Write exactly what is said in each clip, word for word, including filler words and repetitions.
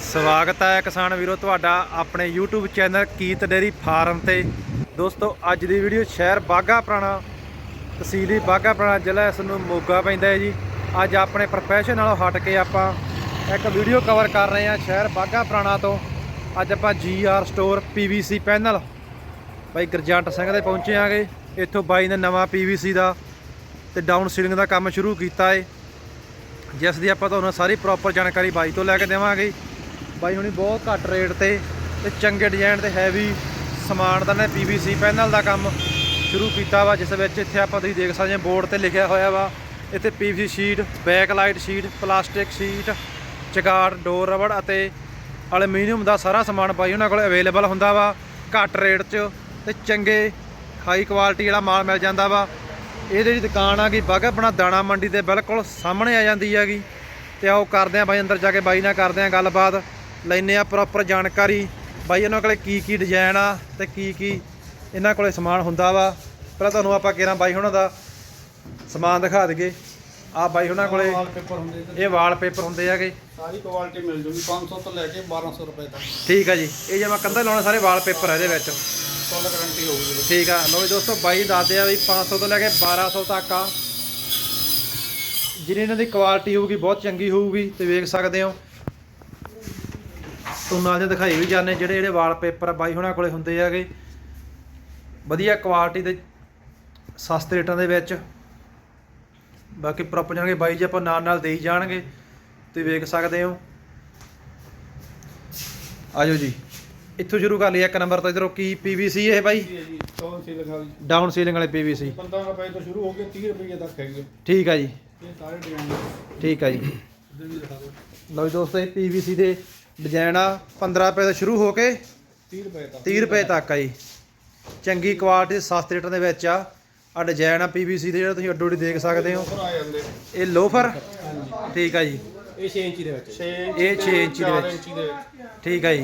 ਸਵਾਗਤ ਹੈ ਕਿਸਾਨ ਵੀਰੋ ਤੁਹਾਡਾ ਆਪਣੇ YouTube ਚੈਨਲ ਕੀਤ ਡੇਰੀ ਫਾਰਮ ਤੇ। ਦੋਸਤੋ ਅੱਜ ਦੀ ਵੀਡੀਓ ਸ਼ਹਿਰ ਬਾਘਾ ਪੁਰਾਣਾ, ਤਹਿਸੀਲ ਬਾਘਾ ਪੁਰਾਣਾ, ਜ਼ਿਲ੍ਹਾ ਇਸ ਨੂੰ ਮੋਗਾ ਪੈਂਦਾ ਹੈ ਜੀ। ਅੱਜ ਆਪਣੇ ਪ੍ਰੋਫੈਸ਼ਨ ਨਾਲੋਂ ਹਟ ਕੇ ਆਪਾਂ ਇੱਕ ਵੀਡੀਓ ਕਵਰ ਕਰ ਰਹੇ ਹਾਂ ਸ਼ਹਿਰ ਬਾਘਾ ਪੁਰਾਣਾ ਤੋਂ। ਅੱਜ ਆਪਾਂ G R store P V C panel ਬਾਈ ਗੁਰਜੰਟ ਸਿੰਘ ਦੇ ਪਹੁੰਚੇ ਆਂਗੇ। ਇੱਥੋਂ ਬਾਈ ਨੇ ਨਵਾਂ ਪੀ ਵੀ ਸੀ ਦਾ ਤੇ ਡਾਊਨ ਸੀਲਿੰਗ ਦਾ ਕੰਮ ਸ਼ੁਰੂ ਕੀਤਾ ਹੈ, ਜਿਸ ਦੀ ਆਪਾਂ ਤੁਹਾਨੂੰ ਸਾਰੀ ਪ੍ਰੋਪਰ ਜਾਣਕਾਰੀ ਬਾਈ ਤੋਂ ਲੈ ਕੇ ਦੇਵਾਂਗੇ। ਬਾਈ ਹੁਣੀ ਬਹੁਤ ਘੱਟ ਰੇਟ ਤੇ ਤੇ ਚੰਗੇ ਡਿਜ਼ਾਈਨ ਤੇ ਹੈਵੀ ਸਮਾਨ ਦਾ ਨੇ ਪੀ ਵੀ ਸੀ ਪੈਨਲ ਦਾ ਕੰਮ ਸ਼ੁਰੂ ਕੀਤਾ ਵਾ, ਜਿਸ ਵਿੱਚ ਇੱਥੇ ਆਪਾਂ ਤੁਸੀਂ ਦੇਖ ਸਕਦੇ ਹੋ ਬੋਰਡ ਤੇ ਲਿਖਿਆ ਹੋਇਆ ਵਾ ਇੱਥੇ P V C sheet, back light sheet, plastic sheet, ਚਗਾੜ, ਡੋਰ ਰਬੜ ਅਤੇ ਐਲੂਮੀਨੀਅਮ ਦਾ ਸਾਰਾ ਸਮਾਨ ਬਾਈ ਉਹਨਾਂ ਕੋਲ ਅਵੇਲੇਬਲ ਹੁੰਦਾ ਵਾ ਘੱਟ ਰੇਟ 'ਚ ਤੇ ਚੰਗੇ ਹਾਈ ਕੁਆਲਿਟੀ ਵਾਲਾ ਮਾਲ ਮਿਲ ਜਾਂਦਾ ਵਾ। ਇਹ ਜਿਹੜੀ ਦੁਕਾਨ ਆ ਗਈ ਬਾਘਾ ਪੁਰਾਣਾ ਦਾਣਾ ਮੰਡੀ ਦੇ ਬਿਲਕੁਲ ਸਾਹਮਣੇ ਆ ਜਾਂਦੀ ਹੈਗੀ। ਤੇ ਆਓ ਕਰਦੇ ਆ ਬਾਈ ਅੰਦਰ ਜਾ ਕੇ ਬਾਈ ਨਾਲ ਕਰਦੇ ਆ ਗੱਲਬਾਤ, ਲੈਂਦੇ ਆ ਪ੍ਰੋਪਰ ਜਾਣਕਾਰੀ ਬਾਈ ਇਹਨਾਂ ਕੋਲੇ ਕੀ ਕੀ ਡਿਜ਼ਾਈਨ ਆ ਤੇ ਕੀ ਕੀ ਇਹਨਾਂ ਕੋਲੇ ਸਮਾਨ ਹੁੰਦਾ ਵਾ। ਪਹਿਲਾਂ ਤੁਹਾਨੂੰ ਆਪਾਂ ਕਿਹੜਾ ਬਾਈ ਹੁਣਾਂ ਦਾ ਸਮਾਨ ਦਿਖਾ ਦਈਏ। ਆ ਬਾਈ ਉਹਨਾਂ ਕੋਲੇ ਵਾਲਪੇਪਰ ਹੁੰਦੇ ਇਹ ਵਾਲਪੇਪਰ ਹੁੰਦੇ ਹੈਗੇ, ਸਾਰੀ ਕੁਆਲਿਟੀ ਮਿਲ ਜੂਗੀ ਪੰਜ ਸੌ ਤੋਂ ਲੈ ਕੇ ਬਾਰਾਂ ਸੌ ਰੁਪਏ ਤੱਕ। ਠੀਕ ਆ ਜੀ। ਇਹ ਜਿਵੇਂ ਕੰਧਾਂ ਲਾਉਣੇ ਸਾਰੇ ਵਾਲਪੇਪਰ ਆ ਇਹਦੇ ਵਿੱਚ, ਫੁੱਲ ਗਾਰੰਟੀ ਹੋਊਗੀ। ਠੀਕ ਆ। ਲੋ ਜੀ ਦੋਸਤੋ ਬਾਈ ਦੱਸਦੇ ਆ ਵੀ ਪੰਜ ਸੌ ਤੋਂ ਲੈ ਕੇ ਬਾਰਾਂ ਸੌ ਤੱਕ ਆ, ਜਿਹੜੀ ਇਹਨਾਂ ਦੀ ਕੁਆਲਿਟੀ ਹੋਊਗੀ ਬਹੁਤ ਚੰਗੀ ਹੋਊਗੀ। ਤੇ ਵੇਖ ਸਕਦੇ ਹੋ ਤੁਹਾਨੂੰ ਨਾਲ ਦੇ ਦਿਖਾਈ ਵੀ ਜਾਂਦੇ ਜਿਹੜੇ ਜਿਹੜੇ ਵਾਲਪੇਪਰ ਬਾਈ ਹੁਣਾਂ ਕੋਲੇ ਹੁੰਦੇ ਹੈਗੇ, ਵਧੀਆ ਕੁਆਲਿਟੀ ਦੇ ਸਸਤੇ ਰੇਟਾਂ ਦੇ ਵਿੱਚ। ਬਾਕੀ ਪ੍ਰੋਪਰ ਜਾਣਗੇ ਬਾਈ ਜੀ ਆਪਾਂ ਨਾਲ ਨਾਲ ਦੇਈ ਜਾਣਗੇ, ਤੁਸੀਂ ਵੇਖ ਸਕਦੇ ਹੋ। ਆਜੋ ਜੀ ਇੱਥੋਂ ਸ਼ੁਰੂ ਕਰ ਲਈਏ ਇੱਕ ਨੰਬਰ ਤੋਂ। ਇਧਰੋਂ ਕੀ ਪੀ ਵੀ ਸੀ ਇਹ ਬਾਈ? ਡਾਊਨ ਸੀਲਿੰਗ ਵਾਲੀ ਡਾਊਨ ਸੀਲਿੰਗ ਵਾਲੇ ਪੀ ਵੀ ਸੀ ਪੰਦਰਾਂ ਰੁਪਏ ਤੋਂ ਸ਼ੁਰੂ ਹੋ ਕੇ ਤੀਹ ਰੁਪਏ ਤੱਕ ਹੈਗੇ। ਠੀਕ ਆ ਜੀ, ਇਹ ਸਾਰੇ ਡਿਜ਼ਾਈਨ ਠੀਕ ਆ ਜੀ। ਇੱਧਰ ਵੀ ਦਿਖਾ ਦਿਓ। ਲਓ ਜੀ ਦੋਸਤੋ ਇਹ ਪੀ ਵੀ ਸੀ ਦੇ ਡਿਜ਼ਾਈਨ ਆ ਪੰਦਰਾਂ ਰੁਪਏ ਤੋਂ ਸ਼ੁਰੂ ਹੋ ਕੇ ਤੀਹ ਰੁਪਏ ਤੱਕ ਤੀਹ ਰੁਪਏ ਤੱਕ ਆ ਜੀ। ਚੰਗੀ ਕੁਆਲਿਟੀ ਸਸਤੇ ਰੇਟਾਂ ਦੇ ਵਿੱਚ ਆ ਆ ਡਿਜ਼ਾਈਨ ਆ ਪੀ ਵੀ ਸੀ ਦੇ, ਜਿਹੜਾ ਤੁਸੀਂ ਅੱਡੋ ਅੱਡੀ ਦੇਖ ਸਕਦੇ ਹੋ। ਆ ਜਾਂਦੇ ਇਹ ਲੋਫਰ, ਠੀਕ ਆ ਜੀ। ਇਹ ਛੇ ਇੰਚੀ ਦੇ ਵਿੱਚ, ਇਹ ਛੇ ਇੰਚੀ ਦੇ ਵਿੱਚ, ਇੰਚੀ ਦੇ ਵਿੱਚ। ਠੀਕ ਆ ਜੀ।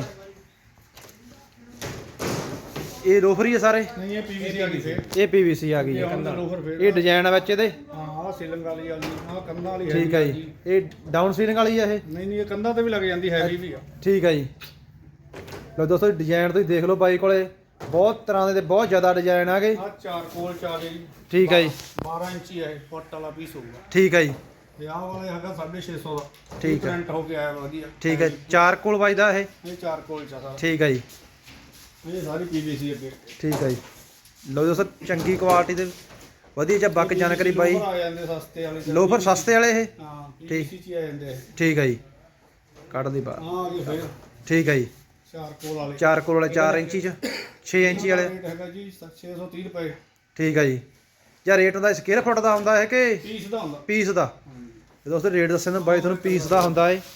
ਇਹ ਲੋਫਰ ਹੀ ਆ ਸਾਰੇ? ਨਹੀਂ ਇਹ ਪੀਵੀਸੀ ਆ ਗਈ ਫੇਰ, ਇਹ ਪੀ ਵੀ ਸੀ ਆ ਗਈ ਇਹ ਹੈ। ਹੁਣ ਲੋਫਰ ਫੇਰ ਇਹ ਡਿਜ਼ਾਈਨ ਆ ਵਿੱਚ ਇਹਦੇ, ਹਾਂ ਆਹ ਸੀਲਿੰਗ ਵਾਲੀ ਆ ਗਈ, ਆਹ ਕੰਧਾਂ ਵਾਲੀ ਹੈ। ਠੀਕ ਆ ਜੀ। ਇਹ ਡਾਊਨ ਸੀਲਿੰਗ ਵਾਲੀ ਆ ਇਹ? ਨਹੀਂ ਨਹੀਂ ਇਹ ਕੰਧਾਂ ਤੇ ਵੀ ਲੱਗ ਜਾਂਦੀ, ਹੈਵੀ ਵੀ ਆ। ਠੀਕ ਆ ਜੀ। ਲਓ ਦੋਸਤੋ ਡਿਜ਼ਾਈਨ ਤੁਸੀਂ ਦੇਖ ਲਓ ਬਾਈ ਕੋਲੇ ਬਹੁਤ ਤਰ੍ਹਾਂ ਦੇ ਤੇ ਬਹੁਤ ਜ਼ਿਆਦਾ ਡਿਜ਼ਾਈਨ ਆ ਗਏ। ਆਹ ਚਾਰ ਕੋਲ ਚਾਰ ਜੀ, ਠੀਕ ਆ ਜੀ। ਬਾਰਾਂ ਇੰਚੀ ਹੈ, ਫੁੱਟ ਵਾਲਾ ਪੀਸ ਹੋਊਗਾ। ਠੀਕ ਆ ਜੀ। ਤੇ ਆਹ ਵਾਲਾ ਹੈਗਾ ਸਾਢੇ ਛੇ ਸੌ ਦਾ, ਠੀਕ ਹੈ। ਪ੍ਰਿੰਟ ਹੋ ਕੇ ਆਇਆ ਵਧੀਆ। ਠੀਕ ਹੈ, ਚਾਰ ਕੋਲ ਵੱਜਦਾ ਇਹ? ਇਹ ਚਾਰ ਕੋਲ ਚਾ ਸਾਰਾ। ਠੀਕ ਆ ਜੀ। ਇਹ ਸਾਰੀ ਪੀਵੀਸੀ ਅੱਗੇ। ਠੀਕ ਆ ਜੀ। ਲਓ ਦੋਸਤੋ ਚੰਗੀ ਕੁਆਲਿਟੀ ਦੇ ਵਧੀਆ ਜਿਹਾ ਬੱਕ ਜਾਣਕਾਰੀ ਬਾਈ। ਆ ਜਾਂਦੇ ਸਸਤੇ ਵਾਲੇ, ਲੋਫਰ ਸਸਤੇ ਵਾਲੇ ਇਹ? ਹਾਂ ਪੀਵੀਸੀ ਚ ਆ ਜਾਂਦੇ ਇਹ। ਠੀਕ ਆ ਜੀ। ਕੱਢ ਦੀ ਬਾਹਰ। ਹਾਂ ਜੀ ਫੇਰ ਠੀਕ ਆ ਜੀ। ਚਾਰ ਕੋਲ ਵਾਲੇ, ਚਾਰ ਕੋਲ ਵਾਲੇ ਚਾਰ ਇੰਚੀ ਚ, ਛੇ ਇੰਚੀ ਵਾਲੇ? ਰੇਟ ਹੈਗਾ ਜੀ ਛੇ ਸੌ ਤੀਹ ਰੁਪਏ। ਠੀਕ ਆ ਜੀ। ਜਾਂ ਰੇਟ ਦਾ ਸਕੁਅਰ ਫੁੱਟ ਦਾ ਹੁੰਦਾ ਹੈ ਕਿ ਪੀਸ ਦਾ ਹੁੰਦਾ? ਪੀਸ ਦਾ। ਦੋਸਤੋ ਰੇਟ ਦੱਸਣ ਦਾ ਬਾਈ ਤੁਹਾਨੂੰ ਪੀਸ ਦਾ ਹੁੰਦਾ ਏ।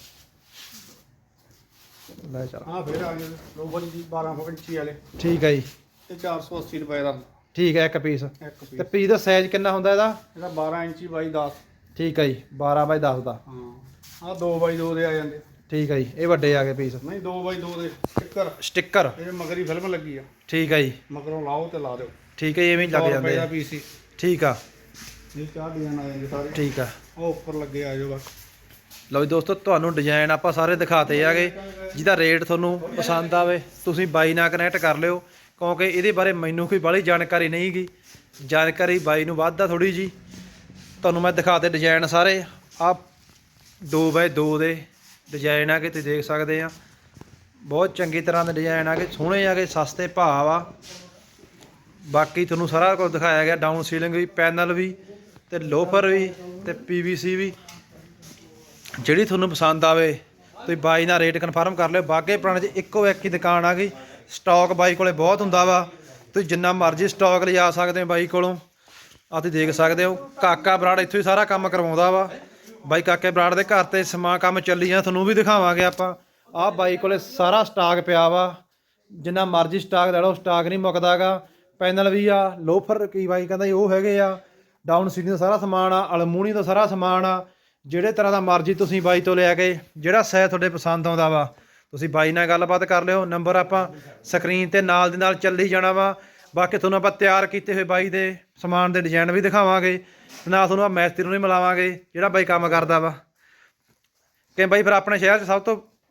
ਲੈ ਚੱਲ। ਹਾਂ ਫੇਰ ਆ ਗਏ ਲੋਫਰ ਜੀ ਬਾਰਾਂ ਇੰਚੀ ਵਾਲੇ, ਠੀਕ ਆ ਜੀ। ਤੇ ਚਾਰ ਸੌ ਅੱਸੀ ਰੁਪਏ ਦਾ ਠੀਕ ਹੈ, ਇੱਕ ਪੀਸ। ਇੱਕ ਤੇ ਪੀਸ। ਪੀਸ ਦਾ ਸਾਈਜ਼ ਕਿੰਨਾ ਹੁੰਦਾ ਇਹਦਾ? ਇਹਦਾ ਬਾਰਾਂ ਇੰਚੀ ਬਾਈ ਦਸ। ਠੀਕ ਆ ਜੀ। ਬਾਰਾਂ ਬਾਈ ਦਸ ਦਾ। ਹਾਂ ਆਹ ਦੋ ਬਾਈ ਦੋ ਦੇ ਆ ਜਾਂਦੇ। ਠੀਕ ਆ ਜੀ। ਇਹ ਵੱਡੇ ਆ ਗਏ ਪੀਸ। ਨਹੀਂ ਦੋ ਬਾਈ ਦੋ ਦੇ ਸਟicker, ਸਟicker, ਇਹ ਮਗਰੀ ਫਿਲਮ ਲੱਗੀ ਆ। ਠੀਕ ਆ ਜੀ। ਮਗਰੋਂ ਲਾਓ ਤੇ ਲਾ ਦਿਓ। ਠੀਕ ਹੈ, ਐਵੇਂ ਹੀ ਲੱਗ ਜਾਂਦੇ ਆ ਆ। ਪੀਸੀ। ਠੀਕ ਆ, ਇਹ ਚਾਰ ਡਿਜ਼ਾਈਨ ਆ ਜਾਂਦੇ ਸਾਰੇ। ਠੀਕ ਆ। ਉਹ ਉੱਪਰ ਲੱਗੇ ਆ ਜਾਓ ਬਸ। ਲਓ ਜੀ ਦੋਸਤੋ ਤੁਹਾਨੂੰ ਡਿਜ਼ਾਈਨ ਆਪਾਂ ਸਾਰੇ ਦਿਖਾਤੇ ਆਗੇ। ਜਿਹਦਾ ਰੇਟ ਤੁਹਾਨੂੰ ਪਸੰਦ ਆਵੇ ਤੁਸੀਂ ਬਾਈ ਨਾਲ ਕਨੈਕਟ ਕਰ ਲਿਓ, ਕਿਉਂਕਿ ਇਹਦੇ ਬਾਰੇ ਮੈਨੂੰ ਕੋਈ ਬਾਹਲੀ ਜਾਣਕਾਰੀ ਨਹੀਂ ਗੀ। ਜਾਣਕਾਰੀ ਬਾਈ ਨੂੰ ਵੱਧ ਆ ਥੋੜ੍ਹੀ ਜੀ। ਤੁਹਾਨੂੰ ਮੈਂ ਦਿਖਾਤੇ ਡਿਜ਼ਾਈਨ ਸਾਰੇ। ਆ ਦੋ ਬਾਏ ਦੋ ਦੇ ਡਿਜ਼ਾਈਨ ਆ ਕੇ ਤੁਸੀਂ ਦੇਖ ਸਕਦੇ ਆ। ਬਹੁਤ ਚੰਗੀ ਤਰ੍ਹਾਂ ਦੇ ਡਿਜ਼ਾਈਨ ਆ ਕੇ, ਸੋਹਣੇ ਆ ਕੇ, ਸਸਤੇ ਭਾਅ ਆ। ਬਾਕੀ ਤੁਹਾਨੂੰ ਸਾਰਾ ਕੁਝ ਦਿਖਾਇਆ ਗਿਆ, ਡਾਊਨ ਸੀਲਿੰਗ ਵੀ, ਪੈਨਲ ਵੀ, ਤੇ ਲੋਫਰ ਵੀ, ਤੇ ਪੀ ਵੀ ਸੀ ਵੀ। ਜਿਹੜੀ ਤੁਹਾਨੂੰ ਪਸੰਦ ਆਵੇ ਤੁਸੀਂ ਬਾਈ ਨਾਲ ਰੇਟ ਕਨਫਰਮ ਕਰ ਲਿਓ। ਬਾਘੇ ਪੁਰਾਣੇ 'ਚ ਇੱਕੋ ਇੱਕ ਹੀ ਦੁਕਾਨ ਆ ਗਈ। ਸਟਾਕ ਬਾਈ ਕੋਲੇ ਬਹੁਤ ਹੁੰਦਾ ਵਾ, ਤੁਸੀਂ ਜਿੰਨਾ ਮਰਜ਼ੀ ਸਟਾਕ ਲਿਜਾ ਸਕਦੇ ਹੋ ਬਾਈ ਕੋਲੋਂ। ਆ ਤੁਸੀਂ ਦੇਖ ਸਕਦੇ ਹੋ ਕਾਕਾ ਬਰਾੜ ਇੱਥੋਂ ਹੀ ਸਾਰਾ ਕੰਮ ਕਰਵਾਉਂਦਾ ਵਾ। ਬਾਈ ਕਾਕੇ ਬਰਾੜ ਦੇ ਘਰ ਤੇ ਸਮਾਂ ਕੰਮ ਚੱਲੀ ਜਾਂ ਤੁਹਾਨੂੰ ਵੀ ਦਿਖਾਵਾਂਗੇ ਆਪਾਂ। ਆਹ ਬਾਈ ਕੋਲੇ ਸਾਰਾ ਸਟਾਕ ਪਿਆ ਵਾ, ਜਿੰਨਾ ਮਰਜ਼ੀ ਸਟਾਕ ਲੈ ਲਓ, ਸਟਾਕ ਨਹੀਂ ਮੁੱਕਦਾ ਗਾ। ਪੈਨਲ ਵੀ ਆ, ਲੋਫਰ ਕੀ ਬਾਈ ਕਹਿੰਦਾ ਜੀ ਉਹ ਹੈਗੇ ਆ, ਡਾਊਨ ਸੀਲਿੰਗ ਦਾ ਸਾਰਾ ਸਮਾਨ ਆ, ਅਲਮੂਨੀਅਮ ਦਾ ਸਾਰਾ ਸਮਾਨ ਆ। ਜਿਹੜੇ ਤਰ੍ਹਾਂ ਦਾ ਮਰਜ਼ੀ ਤੁਸੀਂ ਬਾਈ ਤੋਂ ਲਿਆ ਕੇ ਜਿਹੜਾ ਸਾਈਜ਼ ਤੁਹਾਡੇ ਪਸੰਦ ਆਉਂਦਾ ਵਾ ਤੁਸੀਂ ਬਾਈ ਨਾਲ ਗੱਲਬਾਤ ਕਰ ਲਿਓ। ਨੰਬਰ ਆਪਾਂ ਸਕਰੀਨ ਤੇ ਨਾਲ ਦੀ ਨਾਲ ਚੱਲੀ ਜਾਣਾ ਵਾ। ਬਾਕੀ ਤੁਹਾਨੂੰ ਆਪਾਂ ਤਿਆਰ ਕੀਤੇ ਹੋਏ ਬਾਈ ਦੇ ਸਮਾਨ ਦੇ ਡਿਜ਼ਾਈਨ ਵੀ ਦਿਖਾਵਾਂਗੇ, ਨਾਲ ਤੁਹਾਨੂੰ ਆ ਮੈਸਤਰੀ ਨੂੰ ਵੀ ਮਿਲਾਵਾਂਗੇ ਜਿਹੜਾ ਬਾਈ ਕੰਮ ਕਰਦਾ ਵਾ। ਕਿ ਬਾਈ ਫਿਰ ਆਪਣੇ ਸ਼ਹਿਰ 'ਚ ਸਭ ਤੋਂ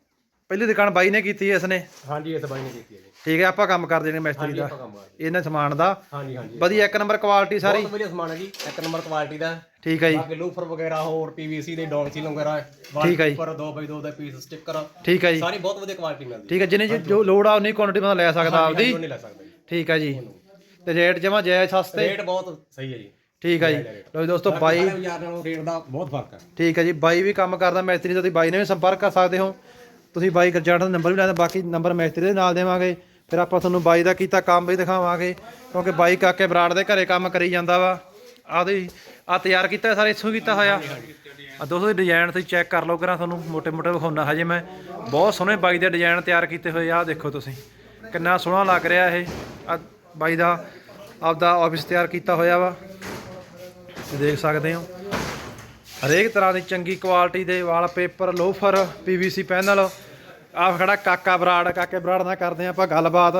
ਪਹਿਲੀ ਦੁਕਾਨ ਬਾਈ ਨੇ ਕੀਤੀ ਹੈ ਇਸਨੇ। ਹਾਂਜੀ ਇਸ ਬਾਈ ਨੇ ਕੀਤੀ ਹੈ ਜੀ। ਠੀਕ ਹੈ, ਆਪਾਂ ਕੰਮ ਕਰ ਦੇਣੇ ਮਿਸਤਰੀ ਹਾਂਜੀ ਦਾ ਆਪਾਂ ਕੰਮ ਕਰਦੇ ਇਹਨਾਂ ਸਮਾਨ ਦਾ। ਹਾਂਜੀ ਹਾਂਜੀ ਵਧੀਆ ਇੱਕ ਨੰਬਰ ਕੁਆਲਿਟੀ ਸਾਰੀ। ਬਹੁਤ ਵਧੀਆ ਸਮਾਨ ਹੈ ਜੀ, ਇੱਕ ਨੰਬਰ ਕੁਆਲਿਟੀ ਦਾ। ਠੀਕ ਹੈ ਜੀ, ਬਾਕੀ ਲੂਫਰ ਵਗੈਰਾ ਹੋਰ ਪੀਵੀਸੀ ਦੇ ਡੌਗ ਸੀਲ ਵਗੈਰਾ ਠੀਕ ਹੈ ਜੀ। ਪਰ ਦੋ ਬਾਈ ਦੋ ਦਾ ਪੀਸ ਸਟicker ਠੀਕ ਹੈ ਜੀ, ਸਾਰੀ ਬਹੁਤ ਵਧੀਆ ਕੁਆਲਿਟੀ ਮਿਲਦੀ ਠੀਕ ਹੈ। ਜਿੰਨੇ ਜੋ ਲੋੜ ਆ ਉਨੀ ਕੁਆਂਟੀਟੀ ਬੰਦਾ ਲੈ ਸਕਦਾ ਆਪਦੀ। ਨਹੀਂ ਲੈ ਸਕਦਾ ਜੀ। ਠੀਕ ਹੈ ਜੀ, ਤੇ ਰੇਟ ਜਮਾ ਜਾਇਜ਼ ਸਸਤੇ। ਰੇਟ ਬਹੁਤ ਸਹੀ ਹੈ ਜੀ। ਠੀਕ ਹੈ ਜੀ। ਲੋ ਦੋਸਤੋ ਬਾਈ, ਬਾਜ਼ਾਰ ਨਾਲੋਂ ਰੇਟ ਦਾ ਬਹੁਤ ਫਰਕ ਹੈ। ਠੀਕ ਹੈ ਜੀ, ਬਾਈ ਵੀ ਕੰਮ ਕਰਦਾ ਮਿਸਤਰੀ ਦਾ, ਤੁਸੀਂ ਬਾਈ ਨਾਲ ਵੀ ਸੰਪਰਕ ਕਰ ਸਕਦੇ ਹੋ। ਤੁਸੀਂ ਬਾਈ ਗਰਜਾਟ ਦਾ ਨੰਬਰ ਵੀ ਲੈਣਾ, ਬਾਕੀ ਨੰਬਰ ਮਿਸਤਰੀ ਦੇ ਨਾਲ ਦੇਵਾਂਗੇ। ਫਿਰ ਆਪਾਂ ਤੁਹਾਨੂੰ ਬਾਈ ਦਾ ਕੀਤਾ ਕੰਮ ਵੀ ਦਿਖਾਵਾਂਗੇ, ਕਿਉਂਕਿ ਬਾਈ ਕਾਕੇ ਬਰਾੜ ਦੇ ਘਰੇ ਕੰਮ ਕਰੀ ਜਾਂਦਾ ਵਾ। ਆਦੀ ਆ ਤਿਆਰ ਕੀਤਾ ਸਾਰੇ ਇੱਥੋਂ ਕੀਤਾ ਹੋਇਆ। ਆ ਦੋਸਤੋ ਡਿਜ਼ਾਈਨ ਤੁਸੀਂ ਚੈੱਕ ਕਰ ਲਓ ਕਰਾਂ, ਤੁਹਾਨੂੰ ਮੋਟੇ ਮੋਟੇ ਵਿਖਾਉਣਾ ਹਜੇ ਮੈਂ। ਬਹੁਤ ਸੋਹਣੇ ਬਾਈ ਦੇ ਡਿਜ਼ਾਈਨ ਤਿਆਰ ਕੀਤੇ ਹੋਏ ਆ। ਦੇਖੋ ਤੁਸੀਂ ਕਿੰਨਾ ਸੋਹਣਾ ਲੱਗ ਰਿਹਾ ਇਹ। ਆ ਬਾਈ ਦਾ ਆਪਦਾ ਆਫਿਸ ਤਿਆਰ ਕੀਤਾ ਹੋਇਆ ਵਾ, ਦੇਖ ਸਕਦੇ ਹੋ। ਹਰੇਕ ਤਰ੍ਹਾਂ ਦੀ ਚੰਗੀ ਕੁਆਲਿਟੀ ਦੇ ਵਾਲਪੇਪਰ, ਲੋਫਰ, ਪੀਵੀਸੀ ਪੈਨਲ। ਆਹ ਖੜਾ ਕਾਕਾ ਬਰਾੜ, ਕਾਕੇ ਬਰਾੜ ਨਾਲ ਕਰਦੇ ਹਾਂ ਆਪਾਂ ਗੱਲਬਾਤ।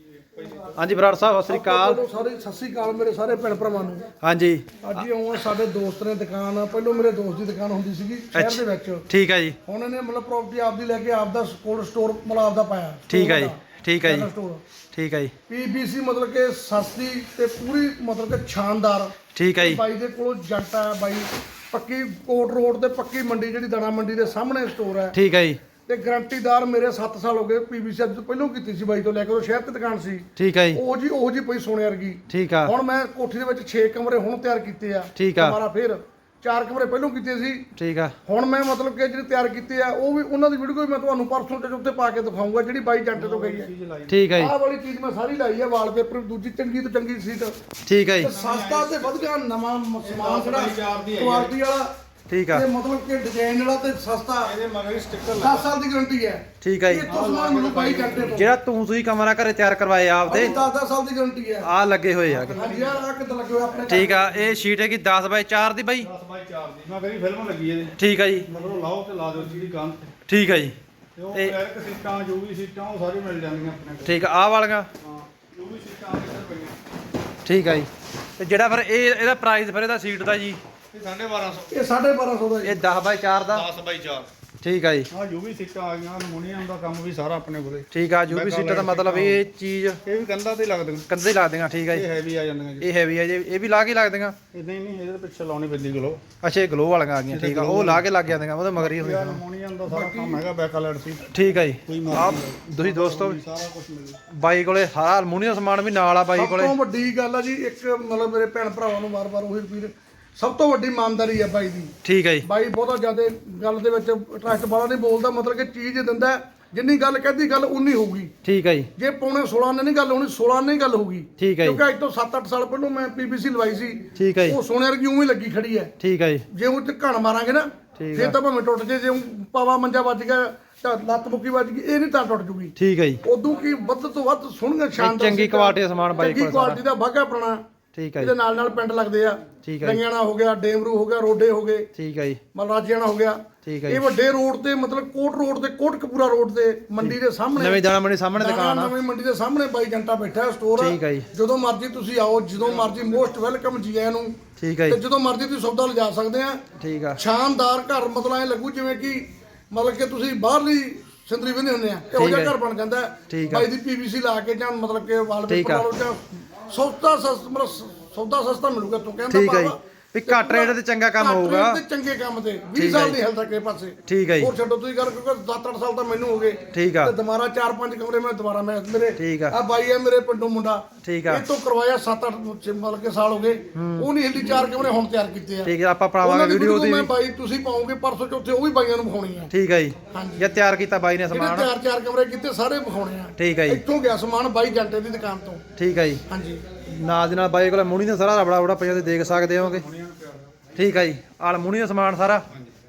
ਹਾਂਜੀ ਬਰਾੜ ਸਾਹਿਬ ਸਤਿ ਸ੍ਰੀ ਅਕਾਲ। ਸਾਰੇ ਸਤਿ ਸ੍ਰੀ ਅਕਾਲ ਮੇਰੇ ਸਾਰੇ ਭੈਣ ਭਰਾਵਾਂ ਨੂੰ। ਹਾਂਜੀ ਅੱਜ ਹੀ ਆਉਣ ਸਾਡੇ ਦੋਸਤ ਨੇ ਦੁਕਾਨ, ਪਹਿਲੋਂ ਮੇਰੇ ਦੋਸਤ ਦੀ ਦੁਕਾਨ ਹੁੰਦੀ ਸੀਗੀ ਸ਼ਹਿਰ ਦੇ ਵਿੱਚ। ਠੀਕ ਹੈ ਜੀ, ਹੁਣ ਇਹਨੇ ਮਤਲਬ ਪ੍ਰਾਪਰਟੀ ਆਪਦੀ ਲੈ ਕੇ ਆਪਦਾ ਕੋਲਡ ਸਟੋਰ ਮਤਲਬ ਆਪਦਾ ਪਾਇਆ। ਠੀਕ ਹੈ ਜੀ, ਠੀਕ ਹੈ ਜੀ, ਸਟੋਰ ਠੀਕ ਹੈ ਜੀ, ਪੀਬੀਸੀ ਮਤਲਬ ਕਿ ਸਸਤੀ ਤੇ ਪੂਰੀ ਮਤਲਬ ਕਿ ਸ਼ਾਨਦਾਰ। ਠੀਕ ਹੈ ਜੀ, ਬਾਈ ਦੇ ਕੋਲ ਜੱਟ ਆ ਬਾਈ, ਪੱਕੀ ਕੋਟ ਰੋਡ ਤੇ ਪੱਕੀ ਮੰਡੀ ਜਿਹੜੀ ਦਾਣਾ ਮੰਡੀ ਦੇ ਸਾਹਮਣੇ ਸਟੋਰ ਹੈ। ਠੀਕ ਹੈ ਜੀ, ਤੇ ਗਰੰਟੀਦਾਰ ਮੇਰੇ ਸੱਤ ਸਾਲ ਹੋ ਗਏ। ਪੀਬੀਸੀ ਅੱਜ ਤੋਂ ਪਹਿਲਾਂ ਕੀਤੀ ਸੀ ਬਾਈ ਤੋਂ ਲੈ ਕੇ, ਉਹ ਸ਼ਹਿਰ ਤੇ ਦੁਕਾਨ ਸੀ। ਠੀਕ ਹੈ ਜੀ, ਉਹ ਜੀ ਉਹ ਜੀ ਪਈ ਸੋਨੇ ਵਰਗੀ। ਠੀਕ ਆ, ਹੁਣ ਮੈਂ ਕੋਠੀ ਦੇ ਵਿੱਚ ਛੇ ਕਮਰੇ ਹੁਣ ਤਿਆਰ ਕੀਤੇ ਆ। ਠੀਕ ਆ। ਹਮਾਰਾ ਫਿਰ ਚਾਰ ਕਮਰੇ ਪਹਿਲਾਂ ਕੀਤੇ ਸੀ। ਠੀਕ ਆ, ਹੁਣ ਮੈਂ ਮਤਲਬ ਕਿ ਜਿਹੜੇ ਤਿਆਰ ਕੀਤੇ ਆ ਉਹ ਵੀ ਉਹਨਾਂ ਦੀ ਵੀਡੀਓ ਵੀ ਮੈਂ ਤੁਹਾਨੂੰ ਪਰਸੋਂ ਤੇ ਉੱਤੇ ਪਾ ਕੇ ਦਿਖਾਊਂਗਾ, ਜਿਹੜੀ ਬਾਈ ਜੰਟੇ ਤੋਂ ਗਈ ਹੈ। ਠੀਕ ਹੈ ਜੀ, ਆਹ ਵਾਲੀ ਚੀਜ਼ ਮੈਂ ਸਾਰੀ ਲਾਈ ਆ, ਵਾਲਪੇਪਰ ਦੂਜੀ ਚੰਗੀ ਤੋਂ ਚੰਗੀ ਸੀਟ। ਠੀਕ ਹੈ ਜੀ, ਤੇ ਸਸਤਾ ਤੇ ਵਧੀਆ ਨਵਾਂ ਸਮਾਨ ਜਿਹੜਾ ਕੁਆਲਿਟੀ ਵਾਲਾ ਠੀਕ ਆ, ਤੇ ਮਤਲਬ ਕਿ ਡਿਜ਼ਾਈਨ ਵਾਲਾ ਤੇ ਸਸਤਾ। ਇਹਦੇ ਮਗਰ ਸਟicker ਦਸ ਸਾਲ ਦੀ ਗਾਰੰਟੀ ਹੈ। ਠੀਕ ਹੈ ਜੀ। ਇੱਥੋਂ ਸਮਾਨ ਮੈਨੂੰ ਬਾਈ ਜੰਟੇ ਤੋਂ ਜਿਹੜਾ ਤੂੰ ਤੁਸੀਂ ਕਮਰਾ ਘਰੇ ਤਿਆਰ ਕਰਵਾਏ ਆ ਆਪਦੇ, ਦਸ ਦਸ ਸਾਲ ਦੀ ਗਾਰੰਟੀ ਹੈ। ਆ ਲੱਗੇ ਹੋਏ ਆ। ਹਾਂਜੀ ਯਾਰ ਆ ਕਿੱਦਾਂ ਲੱਗੇ ਹੋਏ ਆਪਣੇ ਘਰ? ਠੀਕ ਆ, ਇਹ ਸ਼ੀਟ ਹੈਗੀ ਦਸ ਬਾਈ ਚਾਰ ਦੀ ਬਾਈ। ਦਸ ਬਾਈ ਚਾਰ ਦੀ ਮੈਂ ਕਹਿੰਦੀ ਫਿਲਮ ਲੱਗੀ ਇਹਦੇ, ਠੀਕ ਹੈ ਜੀ, ਮਤਲਬ ਲਾਓ ਤੇ ਲਾ ਦਿਓ ਜਿਹੜੀ ਕੰਨ ਤੇ। ਠੀਕ ਹੈ ਜੀ, ਤੇ ਉਹ ਤੇ- ਬੈਕ ਸੀਟਾਂ ਜੋ ਵੀ ਸੀਟਾਂ ਉਹ ਸਾਰੀ ਮਿਲ ਜਾਂਦੀਆਂ ਆਪਣੇ ਕੋਲ। ਠੀਕ ਆ, ਆਹ ਵਾਲੀਆਂ। ਹਾਂ ਜੋ ਵੀ ਸੀਟਾਂ ਇੱਧਰ ਪਈਆਂ ਠੀਕ ਹੈ ਜੀ, ਤੇ ਜਿਹੜਾ ਫਿਰ ਇਹ ਇਹਦਾ ਪ੍ਰਾਈਸ ਫਿਰ ਇਹਦਾ ਸੀਟ ਦਾ ਜੀ, ਇਹ ਸਾਢੇ ਬਾਰਾਂ ਸੌ, ਇਹ ਸਾਢੇ ਬਾਰਾਂ ਸੌ ਦਾ ਜੀ। ਇਹ ਦਸ ਬਾਈ ਚਾਰ ਦਾ। ਦਸ ਬਾਈ ਚਾਰ। ਠੀਕ ਆ ਜੀ, ਹਾਂ ਜੋ ਵੀ ਸੀਟਾਂ ਆ ਗਈਆਂ, ਅਲਮੂਨੀਅਮ ਦਾ ਕੰਮ ਵੀ ਸਾਰਾ ਆਪਣੇ ਕੋਲੇ। ਠੀਕ ਆ। ਜੋ ਵੀ ਸੀਟਾਂ ਦਾ ਮਤਲਬ ਇਹ ਚੀਜ਼ ਇਹ ਵੀ ਕੰਧਾਂ ਤੇ ਲੱਗਦੀਆਂ, ਕੰਧੇ ਲਾ ਦੇਗਾ। ਠੀਕ ਆ ਇਹ ਜੀ, ਹੈਵੀ ਆ ਜਾਂਦੀਆਂ ਜੀ। ਇਹ ਹੈਵੀ ਆ ਜੀ, ਇਹ ਵੀ ਲਾ ਕੇ ਲੱਗ ਦੇਗਾ। ਇਹ ਨਹੀਂ ਨਹੀਂ ਇਹਦੇ ਪਿੱਛੇ ਲਾਉਣੀ ਪੈਂਦੀ ਗਲੋ। ਅੱਛਾ ਇਹ ਗਲੋ ਵਾਲੀਆਂ ਆ ਗਈਆਂ। ਠੀਕ ਆ, ਉਹ ਲਾ ਕੇ ਲੱਗ ਜਾਂਦੀਆਂ, ਉਹਦੇ ਮਗਰ ਹੀ ਇਹ ਹੁੰਦੀਆਂ। ਅਲਮੂਨੀਅਮ ਦਾ ਸਾਰਾ ਕੰਮ ਹੈਗਾ, ਬੈਕਲਾਈਟ ਸੀ ਠੀਕ ਆ ਜੀ, ਕੋਈ ਆ ਮਰਜ਼ੀ ਤੁਸੀਂ ਦੋਸਤੋ ਸਾਰਾ ਕੁਝ ਮਿਲਦਾ। ਬਾਈ ਕੋਲੇ ਸਾਰਾ ਅਲਮੂਨੀਅਮ ਸਮਾਨ ਵੀ ਨਾਲ ਆ ਬਾਈ ਸਭ ਕੋਲੇ। ਤੋਂ ਵੱਡੀ ਗੱਲ ਆ ਜੀ, ਇੱਕ ਮਤਲਬ ਮੇਰੇ ਭੈਣ ਭਰਾਵਾਂ ਨੂੰ ਵਾਰ-ਵਾਰ ਉਹੀ ਰਿਪੀਟ, ਸਭ ਤੋਂ ਵੱਡੀ ਇਮਾਨਦਾਰੀ ਆ ਬਾਈ ਦੀ। ਠੀਕ ਆ ਜੀ, ਬਾਈ ਬਹੁਤਾ ਜ਼ਿਆਦਾ ਗੱਲ ਦੇ ਵਿੱਚ ਟਰਸਟ ਵਾਲਾ ਨਹੀਂ ਬੋਲਦਾ, ਮਤਲਬ ਕਿ ਚੀਜ਼ ਦਿੰਦਾ ਹੈ। ਜਿੰਨੀ ਗੱਲ ਕਹਿੰਦੀ ਗੱਲ ਉਨੀ ਹੋਊਗੀ। ਠੀਕ ਆ ਜੀ, ਜੇ ਪੌਣੇ ਸੋਲਾਂ ਨੇ ਨਹੀਂ ਗੱਲ ਹੋਣੀ, ਸੋਲਾਂ ਨੇ ਹੀ ਗੱਲ ਹੋਊਗੀ। ਠੀਕ ਆ ਜੀ, ਕਿਉਂਕਿ ਅੱਜ ਤੋਂ ਸੱਤ ਅੱਠ ਸਾਲ ਪਹਿਲਾਂ ਮੈਂ ਪੀਬੀਸੀ ਲਵਾਈ ਸੀ। ਠੀਕ ਆ ਜੀ, ਉਹ ਸੋਨੇ ਵਰਗੀ ਉਵੇਂ ਹੀ ਲੱਗੀ ਖੜੀ ਹੈ। ਠੀਕ ਆ ਜੀ, ਜੇ ਉਹ ਤੇ ਘਣ ਮਾਰਾਂਗੇ ਨਾ ਠੀਕ ਫਿਰ ਤਾਂ ਭਾਵੇਂ ਟੁੱਟ ਜੇ। ਜੇ ਊਂ ਪਾਵਾ ਮੰਜਾ ਵੱਜ ਗਿਆ ਤਾਂ ਲੱਤ ਮੁੱਕੀ ਵੱਜ ਗਈ, ਇਹ ਨਹੀਂ ਤਾਂ ਟੁੱਟ ਜੂਗੀ। ਠੀਕ ਆ ਜੀ, ਉਦੋਂ ਕੀ ਵੱਧ ਤੋਂ ਵੱਧ ਸੋਹਣੀਆਂ ਸ਼ਾਨਦਾਰ ਚੰਗੀ ਸੀਟਾਂ, ਕੁਆਲਿਟੀ ਦਾ ਸਮਾਨ ਬਾਈ ਚੰਗੀ ਕੋਲ ਸਾਰਾ। ਕੁਆਲਿਟੀ ਦਾ ਬਾਗਾ ਆਪਣਾ। ਠੀਕ ਆ ਇਹਦੇ ਜੀ, ਨਾਲ ਨਾਲ ਪਿੰਡ ਲੱਗਦੇ ਆ। ਠੀਕ ਆ ਜੀ, ਰੰਗਿਆਣਾ ਹੋ ਗਿਆ, ਡੇਮਰੂ ਹੋ ਗਿਆ, ਰੋਡੇ ਹੋ ਗਏ, ਠੀਕ ਆ ਜੀ, ਮਲਰਾਜਿਆਣਾ ਹੋ ਗਿਆ। ਠੀਕ ਆ ਇਹ ਜੀ। ਵੱਡੇ ਰੋਡ ਤੇ ਮਤਲਬ ਕੋਟ ਰੋਡ ਤੇ ਕੋਟਕਪੂਰਾ ਰੋਡ ਤੇ ਮੰਡੀ ਦੇ ਸਾਹਮਣੇ, ਨਵੇਂ ਦਾਣਾ ਮੰਡੀ ਸਾਹਮਣੇ ਦੁਕਾਨ ਆ। ਨਵੀਂ ਮੰਡੀ ਦੇ ਸਾਹਮਣੇ ਬਾਈ ਜੰਟਾ ਬੈਠਾ ਹੈ, ਸਟੋਰ ਠੀਕ ਆ ਜੀ, ਜਦੋਂ ਮਰਜ਼ੀ ਤੁਸੀਂ ਆਓ, ਜਦੋਂ ਮਰਜ਼ੀ ਮੋਸਟ ਵੈਲਕਮ ਜੀ ਆਇਆਂ ਨੂੰ। ਠੀਕ ਆ ਤੇ ਜੀ, ਜਦੋਂ ਮਰਜ਼ੀ ਤੁਸੀਂ ਸੌਦਾ ਲਿਜਾ ਸਕਦੇ ਆ। ਠੀਕ ਆ, ਸ਼ਾਨਦਾਰ ਘਰ, ਮਤਲਬ ਐ ਲੱਗੂ ਜਿਵੇਂ ਕਿ ਮਤਲਬ ਕਿ ਤੁਸੀਂ ਬਾਹਰਲੀ ਸਿੰਦਰੀ ਵੀ ਨਹੀਂ ਹੁੰਦੇ ਆ, ਇਹੋ ਜਿਹਾ ਘਰ ਬਣ ਜਾਂਦਾ ਹੈ। ਠੀਕ ਆ। ਬਾਈ ਦੀ ਪੀਵੀਸੀ ਲਾ ਕੇ ਜਾਂ ਮਤਲਬ ਕਿ ਠੀਕ ਵਾਲਪੇਪਰ ਆ। ਲਾ ਲਓ ਜਾਂ ਸੌਦਾ ਸਸਤਾ, ਮਤਲਬ ਸੌਦਾ ਸਸਤਾ ਮਿਲੂਗਾ। ਤੂੰ ਕਹਿੰਦਾ ਠੀਕ ਆ ਜੀ, ਬਾਬਾ ਵੀ ਘੱਟ ਰੇਟ ਤੇ ਚੰਗਾ ਕੰਮ ਘੱਟ ਹੋਊਗਾ। ਰੇਟ ਤੇ ਚੰਗੇ ਕੰਮ ਤੇ ਵੀਹ ਠੀਕ ਆ ਸਾਲ ਜੀ। ਨਹੀਂ ਹਿਲਦਾ ਕਿਸੇ ਪਾਸੇ। ਠੀਕ ਆ ਜੀ, ਹੋਰ ਛੱਡੋ ਤੁਸੀਂ ਗੱਲ, ਕਿਉਂਕਿ ਸੱਤ ਅੱਠ ਸਾਲ ਤਾਂ ਮੈਨੂੰ ਹੋ ਗਏ। ਠੀਕ ਆ, ਤੇ ਦੁਬਾਰਾ ਚਾਰ ਪੰਜ ਕਮਰੇ ਮੈਂ ਦੁਬਾਰਾ ਮੈਂ ਮੇਰੇ ਠੀਕ ਆ, ਆ ਬਾਈ ਆ ਮੇਰੇ ਪਿੰਡੋਂ ਮੁੰਡਾ, ਠੀਕ ਆ, ਇਹ ਤੋਂ ਕਰਵਾਇਆ ਸੱਤ ਅੱਠ ਮਤਲਬ ਕਿ ਸਾਲ ਹੋ ਗਏ। ਉਹ ਨਹੀਂ ਹਿਲਦੀ, ਚਾਰ ਕਮਰੇ ਹੁਣ ਤਿਆਰ ਕੀਤੇ ਆ। ਠੀਕ ਆ। ਆਪਾਂ ਉਹਨਾਂ ਪਾਵਾਂਗੇ ਦੀ ਵੀਡੀਓ ਵੀਡੀਓ ਦੀ ਮੈਂ ਵੀ। ਬਾਈ ਤੁਸੀਂ ਪਾਓਗੇ ਪਰਸੋਂ ਚੌਥੇ, ਉਹ ਵੀ ਬਾਈਆਂ ਨੂੰ ਵਿਖਾਉਣੀ ਆ। ਠੀਕ ਆ ਜੀ, ਹਾਂਜੀ, ਜੇ ਤਿਆਰ ਕੀਤਾ ਬਾਈ ਨੇ ਜਿਹੜੇ ਸਮਾਨ। ਚਾਰ ਚਾਰ ਕਮਰੇ ਕੀਤੇ ਸਾਰੇ ਵਿਖਾਉਣੇ ਆ। ਠੀਕ ਆ ਜੀ, ਇੱਥੋਂ ਗਿਆ ਸਮਾਨ ਬਾਈ ਜੰਟੇ ਦੀ ਦੁਕਾਨ ਤੋਂ। ਠੀਕ ਆ ਜੀ, ਹਾਂਜੀ, ਨਾਲ ਦੇ ਨਾਲ ਬਾਈ ਕੋਲ ਮੂਣੀ ਦਾ ਸਾਰਾ ਰਬੜਾ ਰਬੜਾ ਪਿਆ, ਤੁਸੀਂ ਦੇਖ ਸਕਦੇ ਹੋਗੇ। ਠੀਕ ਆ ਜੀ, ਅਲਮੂਨੀਅਮ ਦਾ ਸਮਾਨ ਸਾਰਾ।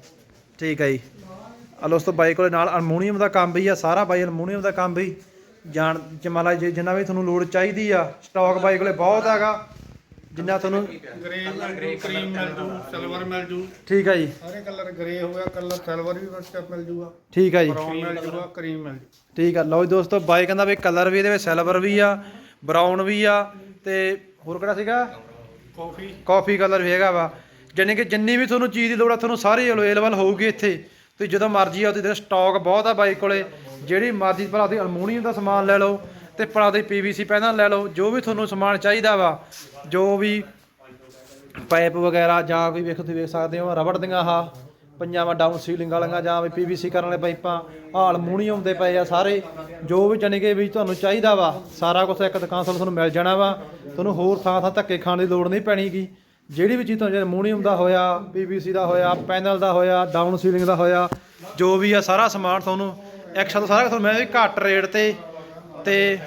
ਠੀਕ ਆ ਜੀ, ਆ ਦੋਸਤੋ ਬਾਈ ਕੋਲੇ ਨਾਲ ਅਲਮੂਨੀਅਮ ਦਾ ਕੰਮ ਵੀ ਆ ਸਾਰਾ। ਬਾਈ ਅਲਮੂਨੀਅਮ ਦਾ ਕੰਮ ਵੀ ਜਾਣ ਜਮਾਲਾ ਜਿੰਨਾ ਵੀ ਤੁਹਾਨੂੰ ਲੋੜ ਚਾਹੀਦੀ ਆ, ਸਟਾਕ ਬਾਈ ਕੋਲੇ ਬਹੁਤ ਹੈਗਾ। ਜਿੰਨਾ ਤੁਹਾਨੂੰ ਗ੍ਰੇ ਮਿਲ ਜੂ, ਕਰੀਮ ਮਿਲ ਜੂ, ਸਿਲਵਰ ਮਿਲ ਜੂ, ਠੀਕ ਆ ਜੀ, ਸਾਰੇ ਕਲਰ ਗ੍ਰੇ ਹੋ ਗਿਆ, ਕਲਰ ਸਿਲਵਰ ਵੀ ਵਿੱਚ ਮਿਲ ਜੂਗਾ, ਠੀਕ ਆ ਜੀ, ਬਰਾਊਨ ਮਿਲ ਜੂਗਾ, ਕਰੀਮ ਮਿਲ ਜੂ। ਠੀਕ ਆ। ਲਓ ਜੀ ਦੋਸਤੋ, ਬਾਈ ਕਹਿੰਦਾ ਵੀ ਕਲਰ ਵੀ ਇਹਦੇ ਵਿੱਚ ਸਿਲਵਰ ਵੀ ਆ, ਬਰਾਊਨ ਵੀ ਆ, ਤੇ ਹੋਰ ਕਿਹੜਾ ਸੀਗਾ, ਕਾਫੀ ਕਾਫੀ ਕਲਰ ਵੀ ਹੈਗਾ ਵਾ। ਜਾਣੀ ਕਿ ਜਿੰਨੀ ਵੀ ਤੁਹਾਨੂੰ ਚੀਜ਼ ਦੀ ਲੋੜ ਆ ਤੁਹਾਨੂੰ ਸਾਰੀ ਅਵੇਲੇਬਲ ਹੋਊਗੀ ਇੱਥੇ। ਤੁਸੀਂ ਜਦੋਂ ਮਰਜ਼ੀ ਆ ਉਹਦੇ ਸਟਾਕ ਬਹੁਤ ਆ ਬਾਈ ਕੋਲੇ, ਜਿਹੜੀ ਮਰਜ਼ੀ ਭਲਾ ਤੁਸੀਂ ਅਲਮੂਨੀਅਮ ਦਾ ਸਮਾਨ ਲੈ ਲਓ ਤੇ ਭਲਾ ਤੁਸੀਂ ਪੀਵੀਸੀ ਪੈਨਲ ਲੈ ਲਓ, ਜੋ ਵੀ ਤੁਹਾਨੂੰ ਸਮਾਨ ਚਾਹੀਦਾ ਵਾ, ਜੋ ਵੀ ਪਾਈਪ ਵਗੈਰਾ ਜਾਂ ਕੋਈ ਵੇਖੋ ਤੁਸੀਂ ਵੇਖ ਸਕਦੇ ਹੋ ਰਬੜ ਦੀਆਂ ਆਹ ਪਈਆਂ ਵਾ ਡਾਊਨ ਸੀਲਿੰਗ ਵਾਲੀਆਂ ਜਾਂ ਵੀ ਪੀਵੀਸੀ ਕਰਨ ਵਾਲੇ ਪਾਈਪਾਂ, ਆਹ ਅਲਮੂਨੀਅਮ ਦੇ ਪਏ ਆ ਸਾਰੇ, ਜੋ ਵੀ ਜਾਣੀ ਕਿ ਵੀ ਤੁਹਾਨੂੰ ਚਾਹੀਦਾ ਵਾ ਸਾਰਾ ਕੁਝ ਇੱਕ ਦੁਕਾਨ ਤੋਂ ਤੁਹਾਨੂੰ ਮਿਲ ਜਾਣਾ ਵਾ। ਤੁਹਾਨੂੰ ਹੋਰ ਥਾਂ ਥਾਂ ਧੱਕੇ ਖਾਣ ਦੀ ਲੋੜ ਨਹੀਂ ਪੈਣੀਗੀ। ਜਿਹੜੀ ਵੀ ਚੀਜ਼ ਤੁਹਾਨੂੰ ਅਲਮੂਨੀਅਮ ਦਾ ਹੋਇਆ, ਪੀਵੀਸੀ ਦਾ ਹੋਇਆ, ਪੈਨਲ ਦਾ ਹੋਇਆ, ਡਾਊਨ ਸੀਲਿੰਗ ਦਾ ਹੋਇਆ, ਜੋ ਵੀ ਆ ਸਾਰਾ ਸਮਾਨ ਤੁਹਾਨੂੰ ਇੱਕ ਸਾਥ ਸਾਰਾ ਤੁਹਾਨੂੰ ਮੈਂ ਵੀ ਘੱਟ ਰੇਟ ਤੇ ਤੇ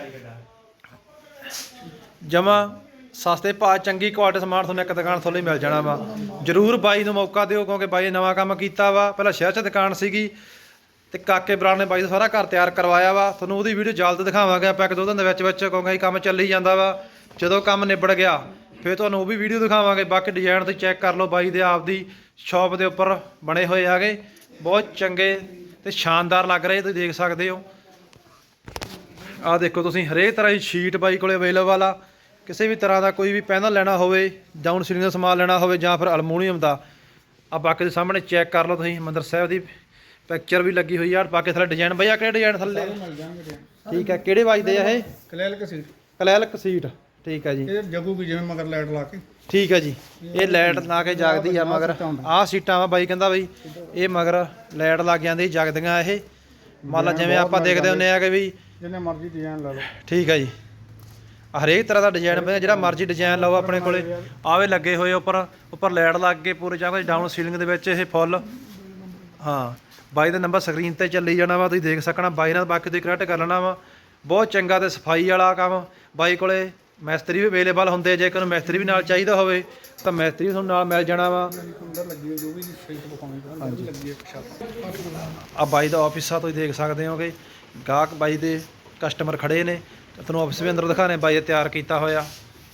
ਜਮਾ ਸਸਤੇ ਭਾਅ ਚੰਗੀ ਕੁਆਲਿਟੀ ਸਮਾਨ ਤੁਹਾਨੂੰ ਇੱਕ ਦੁਕਾਨ ਤੋਂ ਲਈ ਮਿਲ ਜਾਣਾ ਵਾ। ਜ਼ਰੂਰ ਬਾਈ ਨੂੰ ਮੌਕਾ ਦਿਓ, ਕਿਉਂਕਿ ਬਾਈ ਨੇ ਨਵਾਂ ਕੰਮ ਕੀਤਾ ਵਾ। ਪਹਿਲਾਂ ਸ਼ਹਿਰ 'ਚ ਦੁਕਾਨ ਸੀਗੀ ਤੇ ਕਾਕੇ ਬਰਾੜ ਨੇ ਬਾਈ ਦਾ ਸਾਰਾ ਘਰ ਤਿਆਰ ਕਰਵਾਇਆ ਵਾ। ਤੁਹਾਨੂੰ ਉਹਦੀ ਵੀਡੀਓ ਜਲਦ ਦਿਖਾਵਾਂਗੇ ਆਪਾਂ ਇੱਕ ਦੋ ਦਿਨ ਦੇ ਵਿੱਚ ਵਿੱਚ, ਕਿਉਂਕਿ ਕੰਮ ਚੱਲੀ ਜਾਂਦਾ ਵਾ। ਜਦੋਂ ਕੰਮ ਨਿਬੜ ਗਿਆ ਫਿਰ ਤੁਹਾਨੂੰ ਉਹ ਵੀ ਵੀਡੀਓ ਦਿਖਾਵਾਂਗੇ। ਬਾਕੀ ਡਿਜ਼ਾਈਨ ਤੁਸੀਂ ਚੈੱਕ ਕਰ ਲਓ, ਬਾਈ ਦੇ ਆਪ ਦੀ ਸ਼ਾਪ ਦੇ ਉੱਪਰ ਬਣੇ ਹੋਏ ਹੈਗੇ, ਬਹੁਤ ਚੰਗੇ ਤੇ ਸ਼ਾਨਦਾਰ ਲੱਗ ਰਹੇ, ਤੁਸੀਂ ਦੇਖ ਸਕਦੇ ਹੋ। ਆਹ ਦੇਖੋ ਤੁਸੀਂ ਹਰੇਕ ਤਰ੍ਹਾਂ ਦੀ ਸ਼ੀਟ ਬਾਈ ਕੋਲੇ ਅਵੇਲੇਬਲ ਆ। ਕਿਸੇ ਵੀ ਤਰ੍ਹਾਂ ਦਾ ਕੋਈ ਵੀ ਪੈਨਲ ਲੈਣਾ ਹੋਵੇ, ਡਾਊਨ ਸੀਲਿੰਗ ਦਾ ਸਮਾਨ ਲੈਣਾ ਹੋਵੇ ਜਾਂ ਫਿਰ ਅਲਮੂਨੀਅਮ ਦਾ, ਆ ਬਾਕੀ ਦੇ ਸਾਹਮਣੇ ਚੈੱਕ ਕਰ ਲਓ ਤੁਸੀਂ। ਮੰਦਰ ਸਾਹਿਬ ਦੀ ਪਿਕਚਰ ਵੀ ਲੱਗੀ ਹੋਈ ਆ। ਬਾਕੀ ਥੱਲੇ ਡਿਜ਼ਾਈਨ ਬਈ ਆ ਕਿਹੜੇ ਡਿਜ਼ਾਈਨ ਥੱਲੇ ਮਿਲ ਜਾਣਗੇ। ਠੀਕ ਹੈ, ਕਿਹੜੇ ਵੱਜਦੇ ਆ ਇਹ? ਕਲੈਲਕ ਸੀਟ, ਕਲੈਲਕ ਸੀਟ, ਠੀਕ ਹੈ ਜੀ। ਇਹ ਜਗੂਗੀ ਜਿਵੇਂ ਮਗਰ ਲਾਈਟ ਲਾ ਕੇ। ਠੀਕ ਹੈ ਜੀ, ਇਹ ਲਾਈਟ ਲਾ ਕੇ ਜਗਦੀ ਆ ਮਗਰ। ਆਹ ਸੀਟਾਂ ਵਾ ਬਾਈ ਕਹਿੰਦਾ ਬਈ ਇਹ ਮਗਰ ਲਾਈਟ ਲੱਗ ਜਾਂਦੀ ਜਗਦੀਆਂ। ਇਹ ਮੰਨ ਲਾ ਜਿਵੇਂ ਆਪਾਂ ਦੇਖਦੇ ਹੁੰਦੇ ਆ ਕਿ ਵੀ ਜਿੰਨੇ ਮਰਜ਼ੀ ਡਿਜ਼ਾਈਨ ਲਾ ਲਓ। ਠੀਕ ਹੈ ਜੀ, ਹਰੇਕ ਤਰ੍ਹਾਂ ਦਾ ਡਿਜ਼ਾਈਨ ਪਿਆ, ਜਿਹੜਾ ਮਰਜ਼ੀ ਡਿਜ਼ਾਈਨ ਲਓ ਆਪਣੇ ਕੋਲੇ। ਆਵੇ ਲੱਗੇ ਹੋਏ ਉੱਪਰ ਉੱਪਰ ਲਾਈਟ ਲੱਗ ਕੇ ਪੂਰੇ ਜਗ੍ਹਾ ਡਾਊਨ ਸੀਲਿੰਗ ਦੇ ਵਿੱਚ ਇਹ ਫੁੱਲ। ਹਾਂ, ਬਾਈ ਦਾ ਨੰਬਰ ਸਕਰੀਨ ਤੇ ਚੱਲੀ ਜਾਣਾ ਵਾ, ਤੁਸੀਂ ਦੇਖ ਸਕਣਾ। ਬਾਈ ਨਾਲ ਬਾਕੀ ਤੁਸੀਂ ਕਨੈਕਟ ਕਰ ਲੈਣਾ ਵਾ। ਬਹੁਤ ਚੰਗਾ ਤੇ ਸਫਾਈ ਵਾਲਾ ਕੰਮ ਬਾਈ ਕੋਲੇ। ਮਿਸਤਰੀ ਵੀ ਅਵੇਲੇਬਲ ਹੁੰਦੇ, ਜੇਕਰ ਮਿਸਤਰੀ ਵੀ ਨਾਲ ਚਾਹੀਦਾ ਹੋਵੇ ਤਾਂ ਮਿਸਤਰੀ ਵੀ ਤੁਹਾਨੂੰ ਨਾਲ ਮਿਲ ਜਾਣਾ ਵਾ। ਅੰਦਰ ਲੱਗੀ ਜੋ ਵੀ ਸ਼ੀਟ ਵਿਖਾਉਣੀ ਲੱਗੀ ਇੱਕ ਛੱਤ। ਆ ਬਾਈ ਦਾ ਆਫਿਸ ਆ, ਤੁਸੀਂ ਦੇਖ ਸਕਦੇ ਹੋ ਕਿ ਗਾਹਕ ਬਾਈ ਦੇ ਕਸਟਮਰ ਖੜੇ ਨੇ। ਤੁਹਾਨੂੰ ਆਫਿਸ ਵੀ ਅੰਦਰ ਦਿਖਾਣੇ, ਬਾਈ ਨੇ ਤਿਆਰ ਕੀਤਾ ਹੋਇਆ।